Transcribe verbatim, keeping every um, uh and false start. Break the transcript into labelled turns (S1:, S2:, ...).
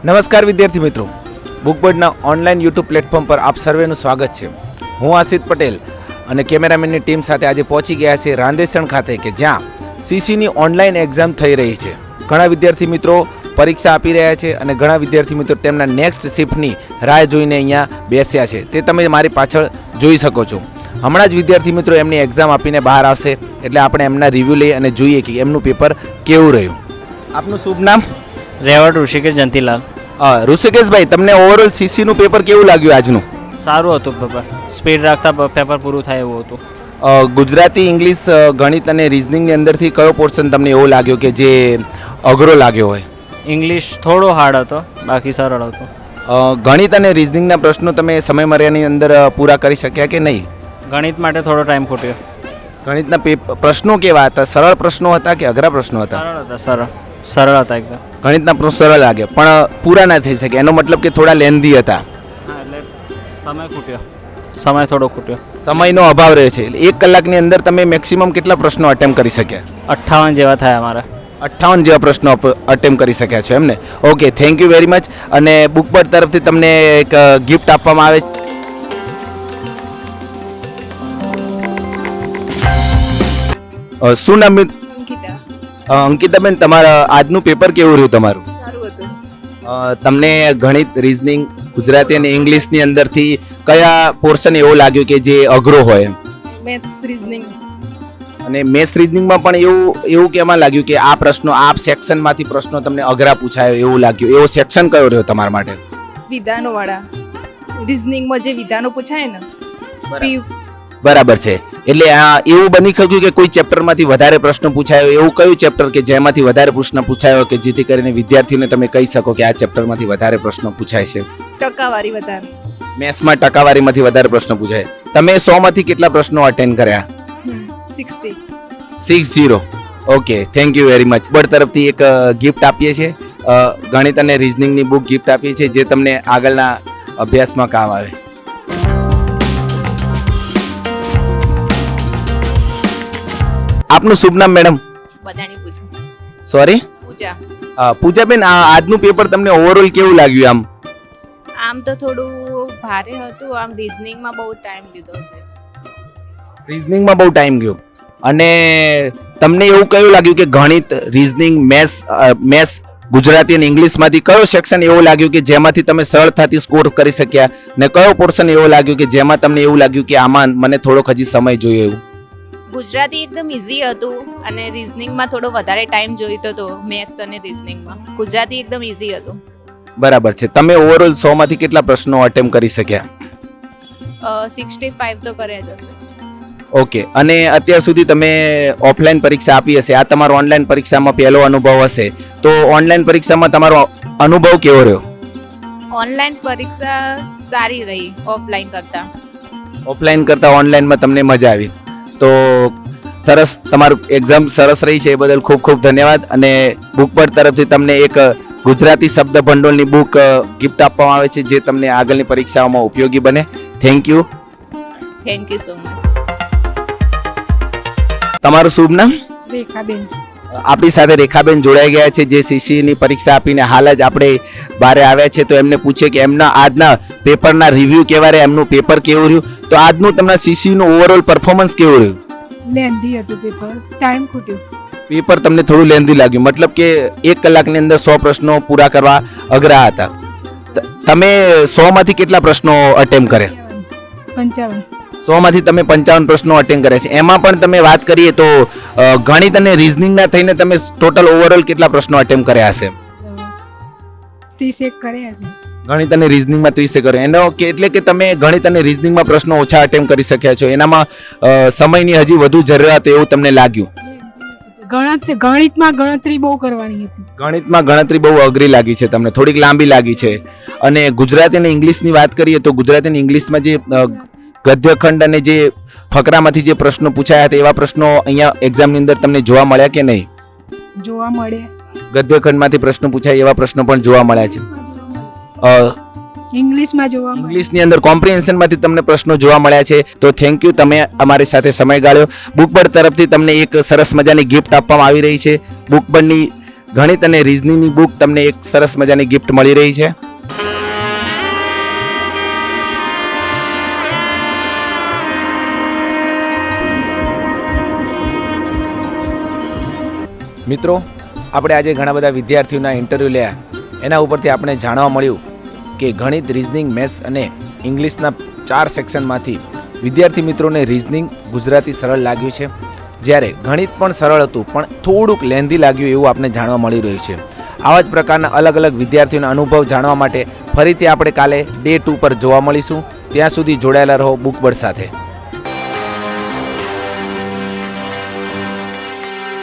S1: નમસ્કાર વિદ્યાર્થી મિત્રો, બુકબર્ડના ઓનલાઈન યુટ્યુબ પ્લેટફોર્મ પર આપ સર્વેનું સ્વાગત છે. હું આશિત પટેલ અને કેમેરામેનની ટીમ સાથે આજે પહોંચી ગયા છે રાંદેસણ ખાતે કે જ્યાં સીસીની ઓનલાઈન એક્ઝામ થઈ રહી છે. ઘણા વિદ્યાર્થી મિત્રો પરીક્ષા આપી રહ્યા છે અને ઘણા વિદ્યાર્થી મિત્રો તેમના નેક્સ્ટ શિફ્ટની રાહ જોઈને અહીંયા બેસ્યા છે. તે તમે મારી પાછળ જોઈ શકો છો. હમણાં જ વિદ્યાર્થી મિત્રો એમની એક્ઝામ આપીને બહાર આવશે એટલે આપણે એમના રિવ્યૂ લઈ અને જોઈએ કે એમનું પેપર કેવું રહ્યું. આપનું શુભ નામ?
S2: રેવડ ઋષિકેશ જંતીલાલ.
S1: ઋષિકેશભાઈ, તમને ઓવરઓલ સીસીનું પેપર કેવું લાગ્યું આજનું?
S2: સારું હતું પેપર, સ્પીડ રાખતા પેપર પૂરું થાય એવું હતું.
S1: ગુજરાતી, ઇંગ્લિશ, ગણિત અને રિઝનિંગની અંદરથી કયો પોર્શન તમને એવો લાગ્યો કે જે અઘરો લાગ્યો હોય?
S2: ઇંગ્લિશ થોડો હાર્ડ હતો, બાકી સરળ હતો.
S1: ગણિત અને રિઝનિંગના પ્રશ્નો તમે સમયમર્યાદાની અંદર પૂરા કરી શક્યા કે નહીં?
S2: ગણિત માટે થોડો ટાઈમ ખૂટ્યો.
S1: ગણિતના પ્રશ્નો કેવા હતા? સરળ પ્રશ્નો હતા કે અઘરા પ્રશ્નો હતા?
S2: સરળ હતા, સરળ સરળ હતા એકદમ.
S1: ગણિતના પ્રશ્નો સરળ લાગે પણ પૂરા ના થઈ શકે, એનો મતલબ કે થોડા લેન્ધી હતા.
S2: હા, એટલે સમય ખૂટ્યો, સમય થોડો ખૂટ્યો.
S1: સમયનો અભાવ રહે છે. એક કલાકની અંદર તમે મેક્સિમમ કેટલા પ્રશ્નો અટેમ્પ કરી શક્યા?
S2: અઠ્ઠાવન જેવા થયા અમારા.
S1: અઠ્ઠાવન જેવા પ્રશ્નો અટેમ્પ કરી શક્યા છો એમને? Okay, thank you very much. અને બુકબર્ડ તરફથી તમને એક ગિફ્ટ આપવામાં આવે છે. શું નામ?
S3: અંકિતા.
S1: અંકિતાબેન, તમારા આજનું પેપર કેવું રહ્યું તમારું?
S3: સારું હતું.
S1: તમને ગણિત, રિઝનિંગ, ગુજરાતી અને ઇંગ્લિશની અંદરથી કયા પોર્શન એવો લાગ્યો કે જે અઘરો હોય?
S3: Maths, reasoning.
S1: અને મેથ્સ રિઝનિંગમાં પણ એવું એવું કેમાં લાગ્યું કે આ પ્રશ્નો આ સેક્શનમાંથી પ્રશ્નો તમને અઘરા પૂછાયો એવું લાગ્યું? એવો સેક્શન કયો રહ્યો તમારા માટે?
S3: વિધાનો વાળા. રીઝનિંગમાં જે વિધાનો પૂછાય ને. પી-
S1: બરાબર છે. એટલે આ એવું બની શક્યું કે કોઈ ચેપ્ટરમાંથી વધારે પ્રશ્ન પૂછાયો? એવું કયું ચેપ્ટર કે જેમાંથી વધારે પ્રશ્ન પૂછાયો કે જેથી કરીને વિદ્યાર્થીઓને તમે કહી શકો કે આ ચેપ્ટરમાંથી વધારે પ્રશ્નો પૂછાય છે?
S3: ટકાવારી વધારે.
S1: મેથ્સમાં ટકાવારીમાંથી વધારે પ્રશ્ન પૂછાય. તમે સો માંથી કેટલા પ્રશ્નો અટેન્ડ કર્યા?
S3: Sixty.
S1: Six zero. Okay, thank you very much. Bird તરફથી એક ગિફ્ટ આપીએ છીએ, ગણિત અને રિઝનિંગની બુક ગિફ્ટ આપીએ છીએ જે તમને આગળના અભ્યાસમાં કામ આવે. આપનું શુભ નામ મેડમ?
S3: બધાની પૂછો.
S1: સોરી?
S3: પૂજા.
S1: પૂજાબેન, આ આજનું પેપર તમને ઓવરઓલ કેવું લાગ્યું? આમ
S3: આમ તો થોડું ભારે હતું. આમ રીઝનિંગમાં બહુ ટાઈમ લીધો છે.
S1: રિઝનિંગમાં બહુ ટાઈમ ગયો. અને તમને એવું કયું લાગ્યું કે ગણિત, રિઝનિંગ, મેથ્સ મેથ્સ ગુજરાતી અને ઇંગ્લિશમાંથી કયો સેક્શન એવો લાગ્યું કે જેમાંથી તમે સરળતાથી સ્કોર કરી શક્યા? ને કયો પોર્શન એવો લાગ્યું કે જેમાં તમને એવું લાગ્યું કે આમાં મને થોડોક હજી સમય જોઈએ એવું?
S3: ગુજરાતી એકદમ ઇઝી હતું અને રીઝનિંગમાં થોડો વધારે ટાઈમ જોઈતો હતો. મેથ્સ અને રીઝનિંગમાં. ગુજરાતી એકદમ ઇઝી હતું.
S1: બરાબર છે. તમે ઓવરઓલ સો માંથી કેટલા પ્રશ્નો અટેમ્પ કરી શક્યા?
S3: સિક્સટી ફાઈવ તો કર્યા જ હશે.
S1: ઓકે. અને અત્યાર સુધી તમે ઓફલાઈન પરીક્ષા આપી હશે, આ તમારો ઓનલાઈન પરીક્ષામાં પહેલો અનુભવ હશે, તો ઓનલાઈન પરીક્ષામાં તમારો અનુભવ કેવો રહ્યો?
S3: ઓનલાઈન પરીક્ષા સારી રહી ઓફલાઈન કરતા.
S1: ઓફલાઈન કરતાં ઓનલાઈનમાં તમને મજા આવી? તો સરસ, તમારું એક્ઝામ સરસ રહી છે એ બદલ ખૂબ ખૂબ ધન્યવાદ. અને બુકબર્ડ તરફથી તમને એક ગુજરાતી શબ્દ ભંડોળની બુક ગિફ્ટ આપવામાં આવે છે જે તમને આગળની પરીક્ષાઓમાં ઉપયોગી બને. Thank you.
S3: Thank you so much.
S1: તમારું શુભ નામ?
S4: રેખાબેન.
S1: આપણી સાથે રેખાબેન જોડાઈ ગયા છે જે સીસીની પરીક્ષા આપીને હાલ જ આપણે બહાર આવ્યા છે. તો એમને પૂછે કે એમના આજના પેપરના રિવ્યૂ કેવા રહ્યા, એમનું પેપર કેવું રહ્યું. તો આજનું તમારા સીસીનું ઓવરઓલ પરફોર્મન્સ કેવું રહ્યું?
S4: લેન્ધી હતું પેપર, ટાઈમ ખૂટ્યો.
S1: પેપર તમને થોડું લેન્ધી લાગ્યું, મતલબ કે એક કલાકની અંદર સો પ્રશ્નો પૂરા કરવા અઘરા હતા. તમે સો માંથી કેટલા પ્રશ્નો અટેમ્પ કર્યા?
S4: પંચાવન.
S1: સો માંથી તમે પંચાવન પ્રશ્નો અટેન્ડ કર્યા છે. એમાં પણ તમે વાત કરીએ તો ગણિત અને રિઝનિંગના થઈને તમે ટોટલ ઓવરઓલ કેટલા પ્રશ્નો અટેમ્પ કર્યા હશે?
S4: ત્રીસ એક કર્યા છે.
S1: ગણિત અને રિઝનિંગમાં ત્રીસે કર્યો. એનો કે એટલે કે તમે ગણિત અને રિઝનિંગમાં પ્રશ્નો ઓછા અટેમ્પ કરી શક્યા છો. એનામાં સમયની હજી વધુ જરૂરિયાત એવું તમને લાગ્યું?
S4: ગણતરી ગણિતમાં ગણતરી બહુ કરવાની હતી.
S1: ગણિતમાં ગણતરી બહુ અઘરી લાગી છે તમને, થોડીક લાંબી લાગી છે. અને ગુજરાતી અને ઇંગ્લિશની વાત કરીએ તો ગુજરાતી અને ઇંગ્લિશમાં જે ગદ્યખંડ અને જે ફકરામાંથી જે પ્રશ્નો પૂછાયા હતા એવા પ્રશ્નો અહીંયા એક્ઝામની અંદર તમને જોવા મળ્યા કે નહીં?
S4: જોવા મળે.
S1: ગદ્યખંડમાંથી પ્રશ્નો પૂછાય એવા પ્રશ્નો પણ જોવા મળ્યા છે.
S4: ઇંગ્લિશમાં જોવા મળે.
S1: ઇંગ્લિશની અંદર કોમ્પ્રિહેન્શનમાંથી તમને પ્રશ્નો જોવા મળ્યા છે. તો થેન્ક યુ, તમે અમારી સાથે સમય ગાળ્યો. બુકબર્ડ તરફથી તમને એક સરસ મજાની ગિફ્ટ આપવામાં આવી રહી છે. બુકબર્ડની ગણિત અને રીઝનિંગની બુક તમને એક સરસ મજાની ગિફ્ટ મળી રહી છે. મિત્રો, આપણે આજે ઘણા બધા વિદ્યાર્થીઓના ઇન્ટરવ્યૂ લયા, એના ઉપરથી આપણે જાણવા મળ્યું કે ગણિત, રીઝનિંગ, મેથ્સ અને ઇંગ્લિશના ચાર સેક્શનમાંથી વિદ્યાર્થી મિત્રોને રીઝનિંગ ગુજરાતી સરળ લાગ્યું છે, જ્યારે ગણિત પણ સરળ હતું પણ થોડુંક લેન્ધી લાગ્યું એવું આપણે જાણવા મળી રહ્યું છે. આવા જ પ્રકારના અલગ અલગ વિદ્યાર્થીઓના અનુભવ જાણવા માટે ફરીથી આપણે કાલે ડે ટુ પર જોવા મળીશું. ત્યાં સુધી જોડાયેલા રહો બુકબર્ડ સાથે.